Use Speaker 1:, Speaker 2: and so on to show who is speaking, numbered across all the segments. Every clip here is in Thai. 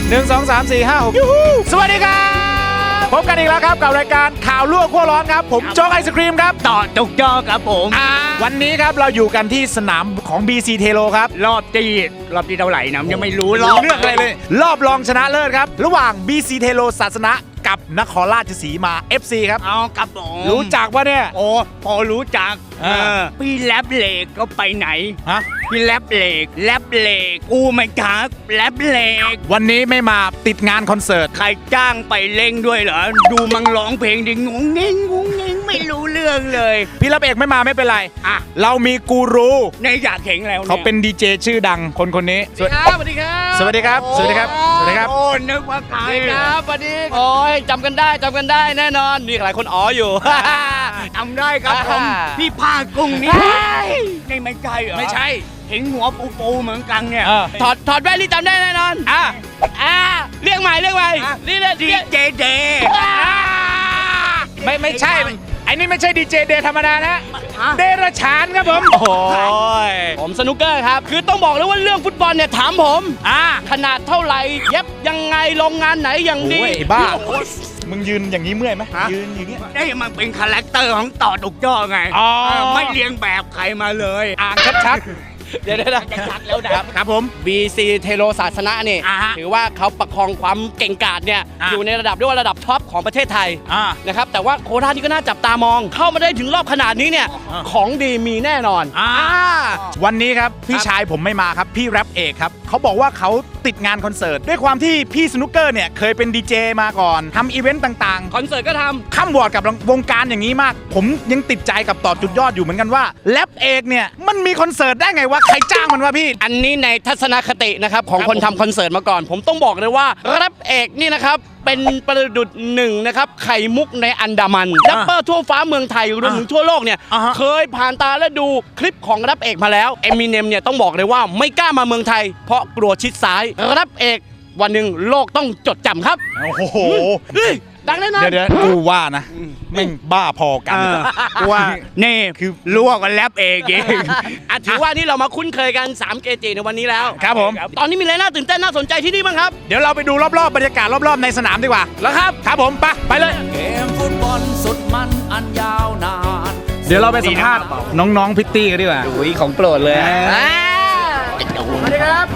Speaker 1: 1 2 3 4 5 6สวัสดีครับพบกันอีกแล้วครับกับรายการข่าวลวกขั้วร้อนครับผมโจ๊กไอศครีมครับ
Speaker 2: ต่อจุกจอครับผม
Speaker 1: วันนี้ครับเราอยู่กันที่สนามของ BC เทโลครับ
Speaker 2: รอบที่เท่าไหร่นะยังไม่รู้
Speaker 1: เรื่องอะไรเลยรอบรองชนะเลิศครับระหว่าง BC เทโลศาสนะกับนครราชสีมา FC ครับ
Speaker 2: เอาครับผม
Speaker 1: รู้จักปะเนี่ย
Speaker 2: โอ้พอรู้จักพี่แรปเหล็กก็ไปไหน
Speaker 1: ฮะ
Speaker 2: พี่แรปเหล็กกูไม่จักแรปเหล็ก
Speaker 1: วันนี้ไม่มาติดงานคอนเสิร์ต
Speaker 2: ใครจ้างไปเล่งด้วยเหรอดูมังร้องเพลงดิงงเง่งไม่รู้เรื่องเลย
Speaker 1: พี่รับเอกไม่มาไม่เป็นไรเรามีกูรู
Speaker 2: ในอยากเห็นแล้ว
Speaker 1: เขาเป็นดีเจชื่อดังคนนี้
Speaker 2: สวัสดีครับ
Speaker 1: สวัสดีครับสวัสดีครับสวัสดีครับ
Speaker 2: โอ้นึกว่าใคร
Speaker 3: ครับสวัสดีโอ้ยจำกันได้แน่นอนมีหลายคนอ๋ออยู่
Speaker 2: จำได้ครับผมพี่ผ้ากุ้งนี่ไม่ใช่เหรอ
Speaker 1: ไม่ใช่
Speaker 2: เห็นหัวปูเหมือนกันเนี่ย
Speaker 3: ถอดแว่นนี่จำได้แน่นอนเรียกใหม่นี่เลย
Speaker 2: ดีเจเด
Speaker 1: ไม่ใช่ไอ้นี่ไม่ใช่ดีเจเดธรรมดานะเดรัจฉานครับผม
Speaker 3: โอ้ยผมสนุกเกอร์ครับคือต้องบอกเลยว่าเรื่องฟุตบอลเนี่ยถามผมขนาดเท่าไหร่เย็บยังไงโรงงานไหนอย่างดี
Speaker 1: บ้ามึงยืนอย่างนี้เมื่อยไหมยืนอย่างนี้
Speaker 2: ได้มันเป็นคาแรคเตอร์ของต่อดุกย่อไงไม่เลี้ยงแบบใครมาเลย
Speaker 1: อ่านชัด
Speaker 3: เดี๋ยวชัดแล้ว
Speaker 1: ครับผม
Speaker 3: BC เทโลศาสนะนี่ถือว่าเขาประคองความเก่งกาจเนี่ยอยู่ในระดับเรียกว่าระดับท็อปของประเทศไทยนะครับแต่ว่าโคราชนี่ก็น่าจับตามองเข้ามาได้ถึงรอบขนาดนี้เนี่ยของดีมีแน่นอน
Speaker 1: วันนี้ครับพี่ชายผมไม่มาครับพี่แรปเอกครับเขาบอกว่าเขาติดงานคอนเสิร์ตด้วยความที่พี่สนุกเกอร์เนี่ยเคยเป็นดีเจมาก่อนทำอีเวนต์ต่าง
Speaker 3: ๆคอนเสิร์ตก็ทำ
Speaker 1: ข้ามวอร์ดกับวงการอย่างนี้มากผมยังติดใจกับต่อจุดยอดอยู่เหมือนกันว่าแรปเอกเนี่ยมันมีคอนเสิร์ตได้ไงวะใครจ้างมันวะพี่
Speaker 3: อันนี้ในทัศนคตินะครับของคนทำคอนเสิร์ตมาก่อนผมต้องบอกเลยว่าแรปเอกนี่นะครับเป็นประดุจหนึ่งนะครับไข่มุกในอันดามันแรปเปอร์ทั่วฟ้าเมืองไทยรวมถึงทั่วโลกเนี่ยเคยผ่านตาและดูคลิปของแรปเอกมาแล้วเอมิเนมเนี่ยต้องบอกเลยว่าไม่กล้ามาเมืองไทยเพราะกลัวชิดซ้ายแรปเอกวันหนึ่งโลกต้องจดจำครับ
Speaker 1: โอ้โห
Speaker 3: ดังแน่นอน
Speaker 1: เดี๋ยวกูว่านะแม่งบ้าพอกัน
Speaker 2: ว่านี่คือลวกกันแรปเอง
Speaker 3: ถือว่านี่เรามาคุ้นเคยกัน3เกจิในวันนี้แล้ว
Speaker 1: ครับผม
Speaker 3: ตอนนี้มีอะไรน่าตื่นเต้นน่าสนใจที่นี่บ้างครับ
Speaker 1: เดี๋ยวเราไปดูรอบๆบรรยากาศรอบๆในสนามดีกว่าแล้วครับผมไปเลย
Speaker 4: เกมฟุตบอลสุดมันอันยาวนาน
Speaker 1: เดี๋ยวเราไปสัมภาษณ์น้องๆพิตตี้กันดีกว่า
Speaker 3: ของโปรดเลย
Speaker 1: สวัสดีครับ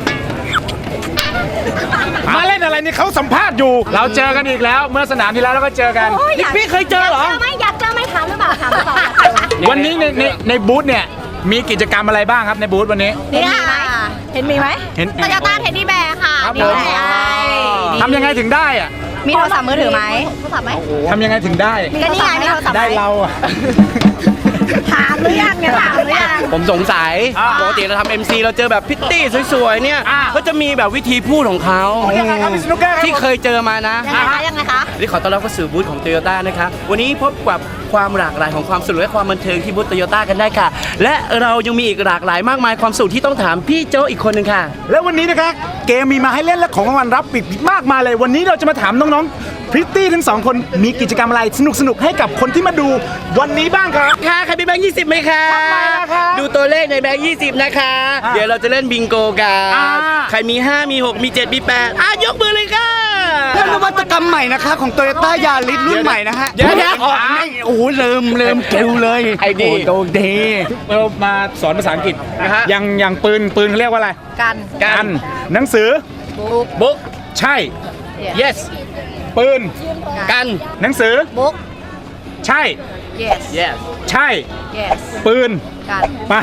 Speaker 1: มาเล่นอะไรนี่เขาสัมภาษณ์อยู่เราเจอกันอีกแล้วเมื่อสนามที่แล้วเราก็เจอกัน
Speaker 3: นี่พี่เคยเจอเหรอ
Speaker 5: อยากเจอไหมถามหรือเปล่า
Speaker 1: วันนี้ในบูธเนี่ยมีกิจกรรมอะไรบ้างครับในบูธวันนี้
Speaker 5: เห็นมีไหม
Speaker 1: เห็น
Speaker 5: โตโยต้าเทนนี่แบร์ค่ะ
Speaker 1: ทำยังไงถึงได้อ่ะ
Speaker 5: มีโทรศัพท์มือถือไหมโทรศัพท์ไหม
Speaker 1: ทำยังไงถึงได้
Speaker 5: ก็นี่ไงมีโทรศัพท์
Speaker 1: ได้เราอ่ะ
Speaker 5: ถามหรือยังเนี่ยถามหรือยัง
Speaker 3: ผมสงสัยปกติเราทำ MC เราเจอแบบพิตตี้สวยๆเนี่ยก็จะมีแบบวิธีพูดของเขาที่เคยเจอมานะ
Speaker 5: ยังไงคะ
Speaker 3: นี่ขอต้อนรับเข้าสู่บูธของ Toyota นะคะวันนี้พบกับความหลากหลายของความสนุกและความบันเทิงที่บูธ Toyota กันได้ค่ะและเรายังมีอีกหลากหลายมากมายความสุขที่ต้องถามพี่โจอีกคนนึงค่ะ
Speaker 1: และวันนี้นะครับเกมมีมาให้เล่นและของรางวัลรับอีกมากมายเลยวันนี้เราจะมาถามน้องๆพริตตี้ทั้ง2คนมีกิจกรรมอะไรสนุกให้กับคนที่มาดูวันนี้บ้างครับ
Speaker 3: ค่ะใครมีแบงค์20ไหมคะดูตัวเลขในแบงค์20นะคะเดี๋ยวเราจะเล่นบิงโกกันใครมี5มี6มี7มี8ยกมือเลยค่ะ
Speaker 2: เป็นนวัตกรรมใหม่นะคะของ Toyota Yaris รุ่นใหม่นะฮะ
Speaker 3: เดี๋ยว
Speaker 2: โอ้โหเริ่มเกลเลย
Speaker 3: ไอ้ดี
Speaker 1: โตเดเรามาสอนภาษาอังกฤษนะฮะอย่างปืนเขาเรียกว่าอะไรกันหนังสือ
Speaker 3: บุ๊ก
Speaker 1: ใช่
Speaker 3: yes
Speaker 1: ปืน
Speaker 3: กัน
Speaker 1: หนังสือ
Speaker 5: บุ๊ก
Speaker 1: ใช่
Speaker 3: yes
Speaker 1: ใช่
Speaker 5: yes
Speaker 1: ปืน
Speaker 5: กัน
Speaker 1: มา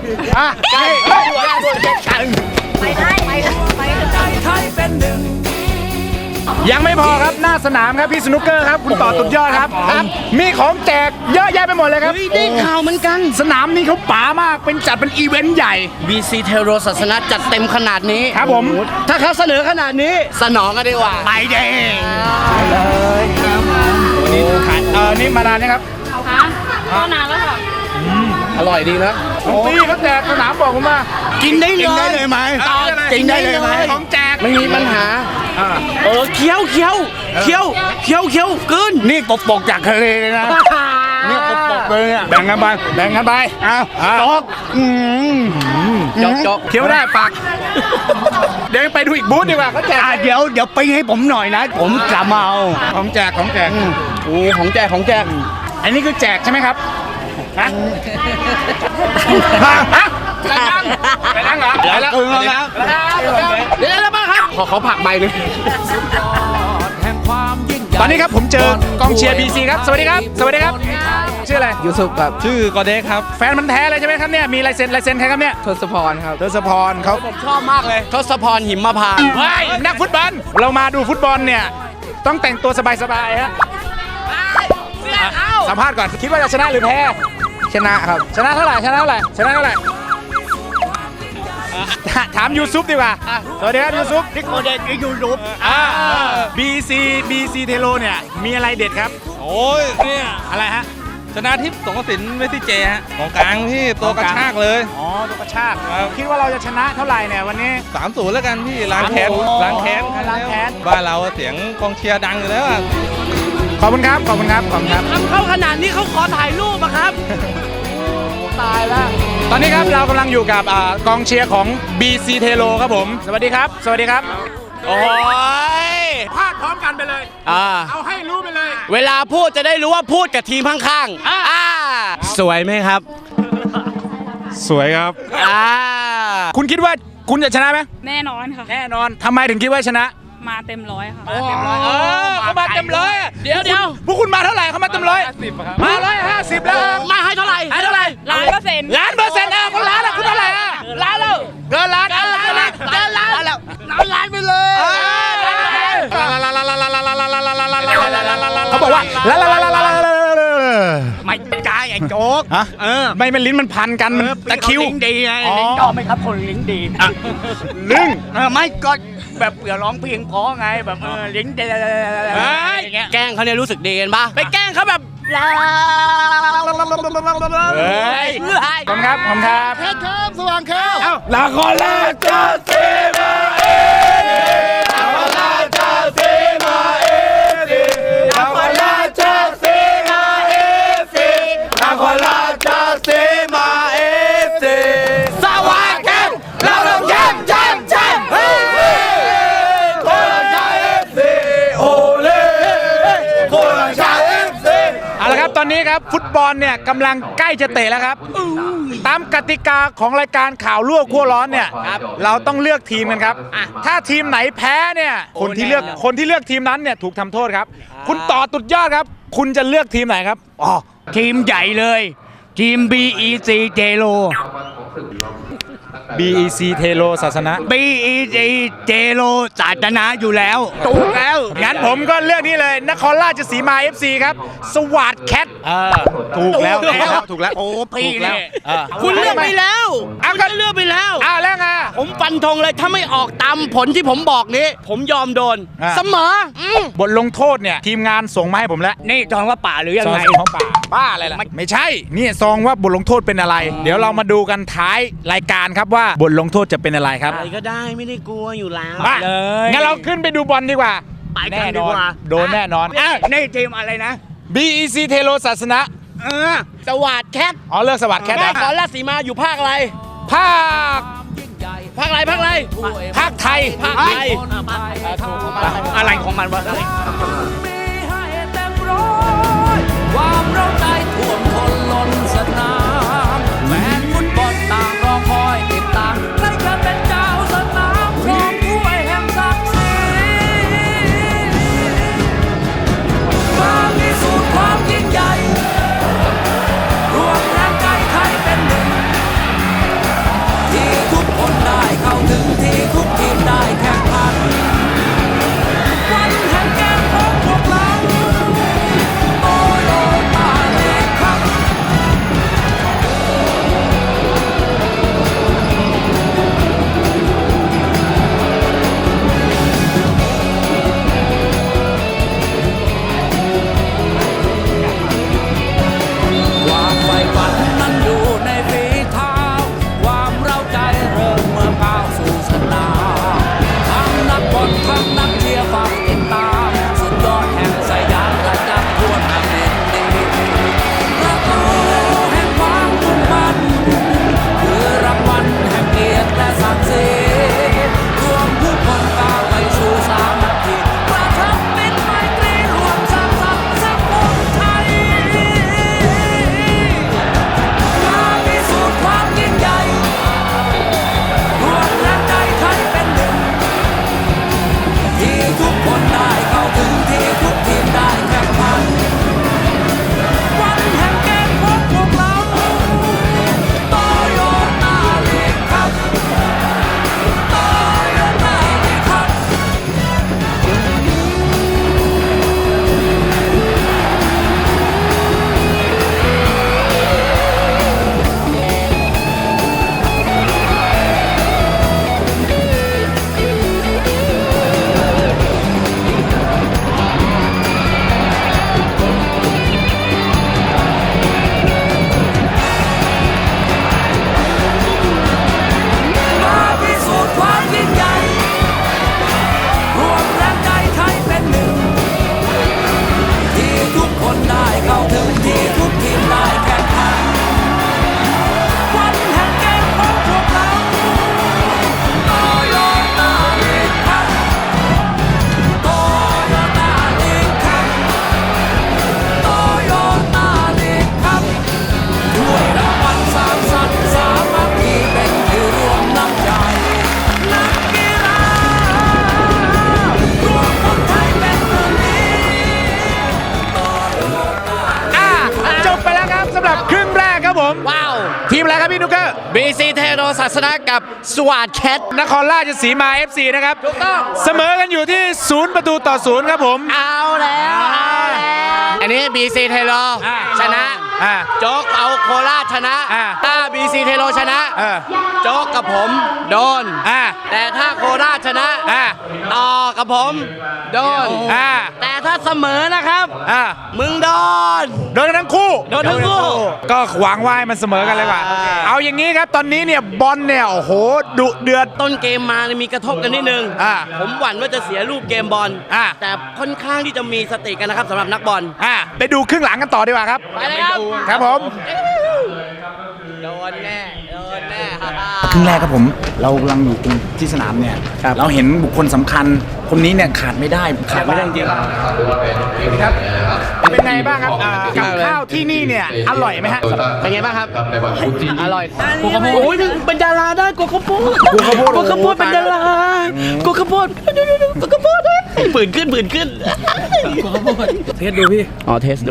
Speaker 5: กันไปได้
Speaker 4: ไทยเป็นหนึ่ง
Speaker 1: ยังไม่พอครับหน้าสนามครับพี่สนุกเกอร์ครับคุณต่อตุดยอดครับมีของแจกเยอะแยะไปหมดเลยครับ
Speaker 3: ได้ข่าวเหมือนกัน
Speaker 1: สนามนี้เขาป๋ามากเป็นจัดเป็นอีเวนต์ใหญ่
Speaker 3: BC เทโรศาสนะจัดเต็มขนาดนี้
Speaker 1: ครับผม
Speaker 3: ถ้าเขาเสนอขนาดนี้สนองกันดีกว่า
Speaker 2: ไปเด้
Speaker 1: เลยครับนี่ขายนี่มานานนะครับ
Speaker 5: ก็นานแล้วค่ะ
Speaker 3: อร่อยดีนะ
Speaker 1: ปีเขาแจกสนามบอกผมว่า
Speaker 2: กินได้เลยไหม
Speaker 1: กินได้เลยไหมของแจก
Speaker 3: ไม่มีปัญหาเคี้ยวกึน
Speaker 2: นี่ปกจากทะเลเลยนะ
Speaker 1: เนี่ยปกเลยเนี่ยแบ่งกันไปแบ่งกันไปอ้าวจก
Speaker 3: จก
Speaker 1: เคี้ยวได้ปากเดี๋ยวไปดูอีกบูธดีกว่าเขาแจก
Speaker 2: เดี๋ยวไปให้ผมหน่อยนะ ผมจะมาเอา
Speaker 1: ของแจก
Speaker 3: โอ้ของแจก
Speaker 1: อันนี้คือแจกใช่ไหมครับฮะไปนั่งเหรอไปแล้วเดี๋ยวมาครับขอผักใบนึง
Speaker 4: แห่งความยิ่งใหญ่
Speaker 1: ตอนนี้ครับผมเจอกองเชียร์ BC ครับสวัสดีครับชื่ออะไร
Speaker 6: ยูซุปครับชื่อกอเด็กครับ
Speaker 1: แฟนมันแท้เลยใช่ไหมครับเนี่ยมีลายเซ็นใครครับเนี่ย
Speaker 6: ทศพรครับ
Speaker 1: ทศพรเขา
Speaker 3: ผมชอบมากเลยทศพรหิมพานต์
Speaker 1: ว้ายนักฟุตบอลเรามาดูฟุตบอลเนี่ยต้องแต่งตัวสบายๆฮะสัมภาษณ์ก่อนคิดว่าจะชนะหรือแพ้
Speaker 6: ชนะครับ
Speaker 1: ชนะเท่าไหร่ถามยูซุปดีกว่าสวัสดีครับยูซุป
Speaker 2: ที่โคเด็กยูรูป
Speaker 1: BC เทโลเนี่ยมีอะไรเด็ดครับ
Speaker 7: โอ้ยเนี่ย
Speaker 1: อะไรฮะ
Speaker 7: ชนะทิพย์สงกสินเมสซี่เจฮะของกลางพี่ตัวกระชากเลย
Speaker 1: อ๋อตัวกระชากคิดว่าเราจะชนะเท่าไหร่เนี่ยวันนี้
Speaker 7: 3-0แล้วกันพี่ล้างแค้น
Speaker 1: 3-0
Speaker 7: ล้างแค้น
Speaker 1: ล้างแค้น
Speaker 7: บ้านเราเสียงกองเชียร์ดังอยู่แล้วอะ
Speaker 1: ขอบคุณครับขอบคุณครับ
Speaker 3: ทำเข้าขนาดนี้เขาขอถ่ายรูปอะครับ
Speaker 1: ตายแล้วตอนนี้ครับเรากำลังอยู่กับกองเชียร์ของ BC เทโลครับผมสวัสดีครับ
Speaker 3: โอ้ย
Speaker 1: พาดพร้อมกันไปเลยเอาให้รู้ไปเลย
Speaker 3: เวลาพูดจะได้รู้ว่าพูดกับทีมข้างๆสวยไหมครับ
Speaker 1: สวยครับ
Speaker 3: อ่า
Speaker 1: คุณคิดว่าคุณจะชนะไหม
Speaker 5: แน่นอนค่ะ
Speaker 1: แน่นอนทำไมถึงคิดว่าชนะ
Speaker 5: มาเต็มร้อยค่ะ
Speaker 1: เขามาเต็มร้อย
Speaker 3: เดี๋ยว
Speaker 1: พวกคุณมาเท่าไหร่เขามาเต็มร้อยมา150แล้ว
Speaker 3: มาให้เท่าไหร่
Speaker 5: 100%
Speaker 1: ล้านเปอร์เซ็นต์คุณล้านคุณเท่าไหร่ล้านแล้วเกินล้านไปเลยเขาบอกว่า
Speaker 2: ไม่กายไอ้โจ๊ก
Speaker 1: ไม่เป็นลิ้นมันพันกันตะคิว
Speaker 2: ลิ้นดีไง
Speaker 1: อ๋อ
Speaker 2: ลิ้นชอบไหมครับคนลิ้นดี
Speaker 1: ลึง
Speaker 2: ไม่ก็แบบเผื่อร้องเพลงเพราะไงแบบลิ้นดีอย่างเงี้ย
Speaker 3: แกล้งเขาเนี่ยรู้สึกดีกันปะไปแกล้งเขาแบบ
Speaker 1: เฮ้ยขอบครับเพชรครับสว่างครับลาคอลาจาเซมาเอลาคอลาจาเซมาเอลาคอลาจาเซมาเอลาคอลาจาเซมาเอสว่างครับเราต้องแชมป์เฮ้ยโคราชเอฟซีโอเล่โคราชเอฟซีเอาละครับตอนนี้ครับฟุตบอลเนี่ยกำลังใกล้จะเตะแล้วครับตามกติกาของรายการข่าวรั่วขั้วร้อนเนี่ยเราต้องเลือกทีมกันครับถ้าทีมไหนแพ้เนี่ยคนที่เลือกทีมนั้นเนี่ยถูกทำโทษครับคุณต่อตุดยอดครับคุณจะเลือกทีมไหนครับอ๋อ
Speaker 2: ทีมใหญ่เลยทีม BEC เจโล
Speaker 1: BEC เทโลศาสนะ
Speaker 2: BEC เจโลศาสนาอยู่แล้วถูกแล้ว
Speaker 1: งั้นผมก็เลือกนี่เลยนครราชสีมา FC ครับสวัสดแคทถูกแล้ว
Speaker 2: โอ้พี่เนี่ย
Speaker 3: คุณเลือกไปแล้ว
Speaker 1: เอา
Speaker 3: คุณก็เลือกไปแล้ว
Speaker 1: อ้าวแล้วไง
Speaker 3: ผมฟันธงเลยถ้าไม่ออกตามผลที่ผมบอกนี้ ผมยอมโดน เสมอบ
Speaker 1: ทลงโทษเนี่ยทีมงานส่งมาให้ผมแล้ว
Speaker 2: นี่จองว่าป่าหรือยังไง
Speaker 1: ซองของป่าบ้าอะไรล่ะไม่ใช่นี่ซองว่าบทลงโทษเป็นอะไร เดี๋ยวเรามาดูกันท้ายรายการครับว่าบทลงโทษจะเป็นอะไรครับ
Speaker 3: อะไรก็ได้ไม่ได้กลัวอยู่แล้ว
Speaker 1: มา
Speaker 2: เลย
Speaker 1: งั้นเราขึ้นไปดูบอลดีกว่า
Speaker 2: ไปกันดีกว่า
Speaker 1: โดนแน่นอน
Speaker 2: นี่ทีมอะไรนะ
Speaker 1: BEC เทโลศาสนะ
Speaker 3: สวัสดแคท
Speaker 1: อ๋อเลือกสวัสดแคท
Speaker 3: แม่
Speaker 1: นะ
Speaker 3: ขอราชสีมาอยู่ภาคอะไร
Speaker 1: ภาค
Speaker 3: ภาคอะไร
Speaker 1: ภาคไทย
Speaker 3: ภาคไทย
Speaker 2: อะไรของมันวะ
Speaker 4: มีให้เต็มร้อยความเร้าใจท่วมทนล้นสนามแฟนฟุตบอลต่างรอคอยติดตามใครจะเป็นเจ้าสนามครองถ้วยแห่งศักดิ์ศรีมาพิสูจน์ความยิ่งใหญ่รวมแรงใจไทยเป็นหนึ่งที่ทุกคนได้เข้าถึงที่ทุกทีมได้แข่งขันวันแห่งเกมของพวก
Speaker 1: ทีมอะไรครับพี่นุกเกอร์
Speaker 3: BC เทโรศาสนากับสวัสดแคท
Speaker 1: นครราชสีมา FC นะครับถูกต้องเสมอกันอยู่ที่0-0ครับผม
Speaker 3: เอาแล้วอันนี้ BC เทโรชนะโจ๊กเอาโคราชชนะถ้า BC เทโรชนะโจ๊กกับผมโดนแต่ถ้าโคราชชนะต่อกับผมโดนแต่ถ้าเสมอนะครับมึงโดน
Speaker 1: โดนกันทั้งคู่
Speaker 3: โดนทั้งคู่
Speaker 1: ก็หวังว่าให้มันเสมอกันเลยว่ะเอาอย่างนี้ครับตอนนี้เนี่ยบอลเนี่ยโอ้โหดุเดือด
Speaker 3: ต้นเกมมาเนี่ยมีกระทบกันนิดนึงผมหวั่นว่าจะเสียรูปเกมบอลแต่ค่อนข้างที่จะมีสติกันนะครับสำหรับนักบอล
Speaker 1: ไปดูครึ่งหลังกันต่อดีกว่าครับ
Speaker 3: ไปเลยครับ
Speaker 1: ครับผม
Speaker 3: โดนแน่โดนแน่
Speaker 8: ครึ่งแรกครับผมเรากำลังอยู่ตรงที่สนามเนี่ยเราเห็นบุคคลสำคัญคนนี้เนี่ยขาดไม่ได้จริง
Speaker 1: ครับเป็นไงบ้างครับกับข้าวที่นี่เนี่ยอร่อยไหมฮะ
Speaker 3: เป็นไงบ้างครับอร่อยกูข้าวโพดโอ้ยเป็นดาราได้กูข้าวโพดกูข้าวโพดเป็นดารากูข้าวโพดกูข้าวโพดผื่นขึ้นกูข้าวโพดเทสดูพี่อ๋อเทสดู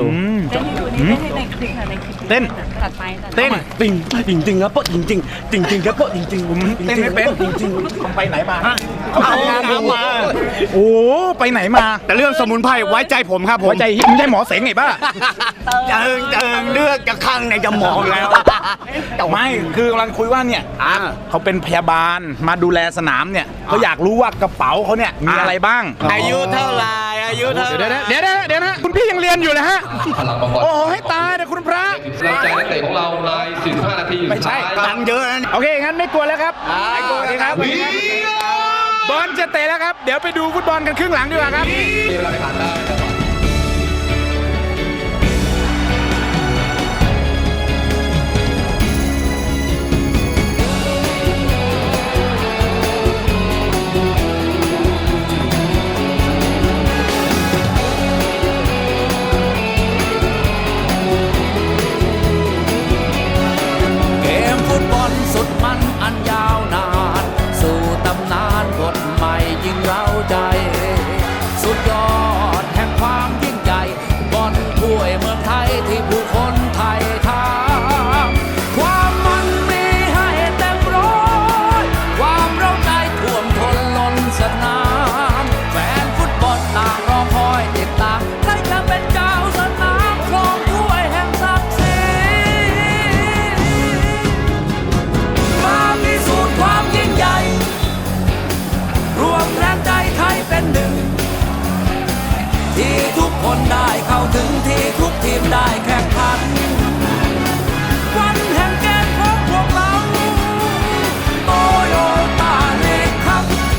Speaker 1: เต้น
Speaker 5: ตัดไป
Speaker 1: เต้น
Speaker 3: จริงครับโป๊ะจริงครับโป๊ะจริงผม
Speaker 1: เต้นไม่เป็น
Speaker 3: จริง
Speaker 1: ไปไหนมา
Speaker 3: เอาน้ำมา
Speaker 1: โอ้ไปไหนมา
Speaker 3: แต่เรื่องสมุนไพรไว้ใจผมครับผม
Speaker 1: หัวใจไม่ใช่หมอเสงไงบ้า
Speaker 3: เจิงเลือกจะข้างในจะมองแล้ว
Speaker 1: ไม่คือกำลังคุยว่าเนี่ยเขาเป็นพยาบาลมาดูแลสนามเนี่ยเขาอยากรู้ว่ากระเป๋าเขาเนี่ยมีอะไรบ้าง
Speaker 3: อายุเท่าไหร่อายุเท่าไหร่
Speaker 1: เดี๋ยวนะคุณพี่ยังเรียนอยู่เลยฮะโอ้โหให้ตายนะคุณพระ
Speaker 9: เราใจนักเตะของเราใน15 นาที
Speaker 1: ไม่ใช่
Speaker 3: ตังค์เยอะนะ
Speaker 1: โอเคงั้นไม่กลัวแล้วครับไม่กลัวครับบอลจะเตะแล้วครับเดี๋ยวไปดูฟุตบอลกันครึ่งหลังดีกว่าครับ
Speaker 9: เวลาผ่านได้นะครับ
Speaker 4: เกมฟุตบอลสุดมันอันยาวนานสู่ตำนานบทใหม่ยิ่งเร้าใจ สุดยอดแห่งความยิ่งใหญ่บอลถ้วยเมืองไทยที่ผู้คนไทยทามความมันมีให้เต็มร้อยความเร้าใจท่วมท้นล้นสนามแฟนฟุตบอลต่างรอคอยติดตามใครจะเป็นเจ้าสนามครองถ้วยแห่งศักดิ์ศรี มาพิสูจน์ความยิ่งใหญ่ รวมแรงใจไทยเป็นหนึ่ง ที่ทุกคนได้เข้าถึงที่ทุกทีมได้แข่งขัน วันแห่งเกมของพวกเราโตโยต้าลีกครับ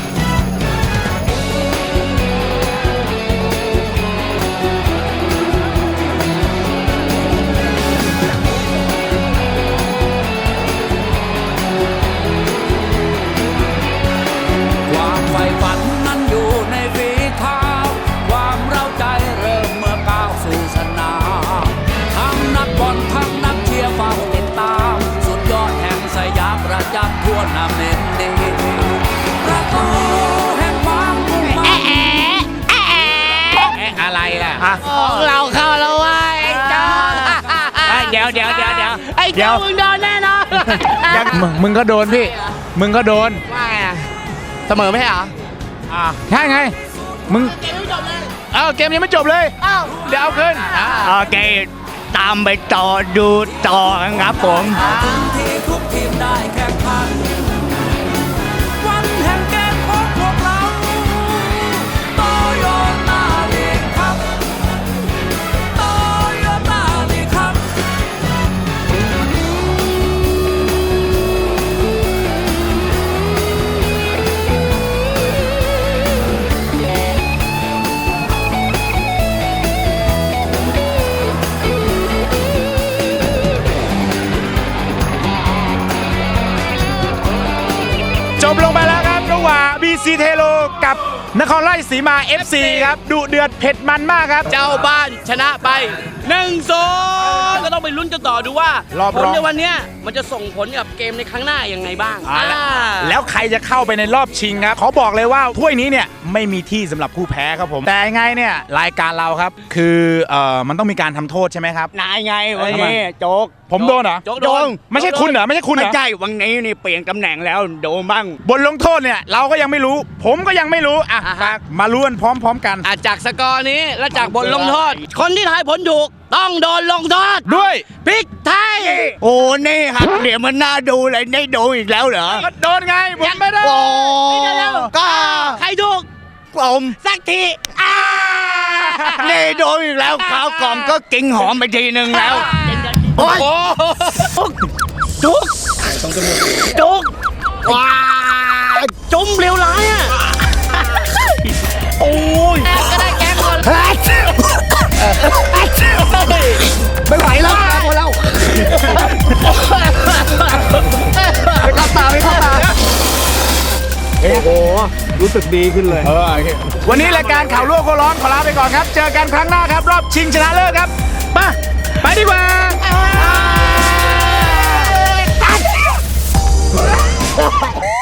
Speaker 4: ความใฝ่ฝันนั้นอยู่ในฝีเท้าความเร้าใจเริ่มเมื่อก้าวสู่สนามทั้งนักบอลทั้งนักเชียร์เฝ้าติดตามสุดยอดแห่งสยามประจักษ์ทั่วนาเมนดีประตูแห่งความมุ่งมั่น
Speaker 3: อะไรล่ะของเราเข้าแล้วว่ะไอ้โจ๊กเดี๋ยวไอ้โจ๊กมึงโดนแน่นอน
Speaker 1: มึงก็โดนพี่มึงก็โดน
Speaker 3: ว่าไงอะเสมอไม่ใช่เหรอ
Speaker 1: ใช่ไงมึงเกมยังไม่จบเลยเดี๋ยวเอาคืน
Speaker 2: โอเคตามไปต่อดูต่อครับผม
Speaker 4: ถึงที่ทุกทีมได้แข่งขัน วันแห่งเกมของพวกเราโตโยต้าลีกครับโตโยต้าลีกครับ
Speaker 1: จบลงไปแล้วครับระหว่าง BC เทโลกับนครราชสีมา FC ครับดุเดือดเผ็ดมันมากครับ
Speaker 3: เจ้าบ้านชนะไป 1-0 ก็ต้องไปลุ้นกันต่อดูว่าร
Speaker 1: อบ
Speaker 3: ผ
Speaker 1: ร
Speaker 3: ล
Speaker 1: อง
Speaker 3: ในวันเนี้ยมันจะส่งผลกับเกมในครั้งหน้ายังไงบ้าง
Speaker 1: แล้วใครจะเข้าไปในรอบชิงครับขอบอกเลยว่าถ้วยนี้เนี่ยไม่มีที่สำหรับผู้แพ้ครับผมแต่ยังไงเนี่ยรายการเราครับคือมันต้องมีการทำโทษใช่ไหมครับ
Speaker 2: นายไงวันนี้โจ๊ก
Speaker 1: ผมโดนเหรอ
Speaker 3: โจ๊กโดน
Speaker 1: ไม่ใช่คุณเหรอไม่ใช่คุณเหร
Speaker 2: ไม่
Speaker 1: อ
Speaker 2: ใช่วันนี้นี่เปลี่ยนตำแหน่งแล้วโดนบ้าง
Speaker 1: บทลงโทษเนี่ยเราก็ยังไม่รู้ ผมก็ยังไม่รู้อ่ะ
Speaker 3: อ่าฮะ
Speaker 1: มารู้กันพร้อมๆกัน
Speaker 3: จากสกอร์นี้และจากบทลงโทษ คนที่ทายผลถูกต้องโดนลงโทษ
Speaker 1: ด้วย
Speaker 3: พริกไทย
Speaker 2: โอ้นี่ครับเดี๋ยวมันน่าดูเลยได้โดนอีกแล้วเหรอ
Speaker 1: ก็โดนไงผมไม่ได้
Speaker 2: โอ้
Speaker 3: ก็
Speaker 2: ก็
Speaker 3: ใครถูก
Speaker 2: ผม
Speaker 3: สักที
Speaker 2: นี่โดนอีกแล้วข้าวกล่องก็กินหอมไปทีนึงแล้วโอ้ย
Speaker 3: จุกจุกว้าจุ่มเร็วร้ายอ่ะโอ้ยก็ได้แก๊งคน
Speaker 2: ไม่ไหวแล้วหมดแล้วไม่เข้าตาไม่เข้าตา
Speaker 1: วันนี้รายการข่าวลวกโคร้อนขอลาไปก่อนครับ เจอกันครั้งหน้าครับ รอบชิงชนะเลิศครับไปดีกว่า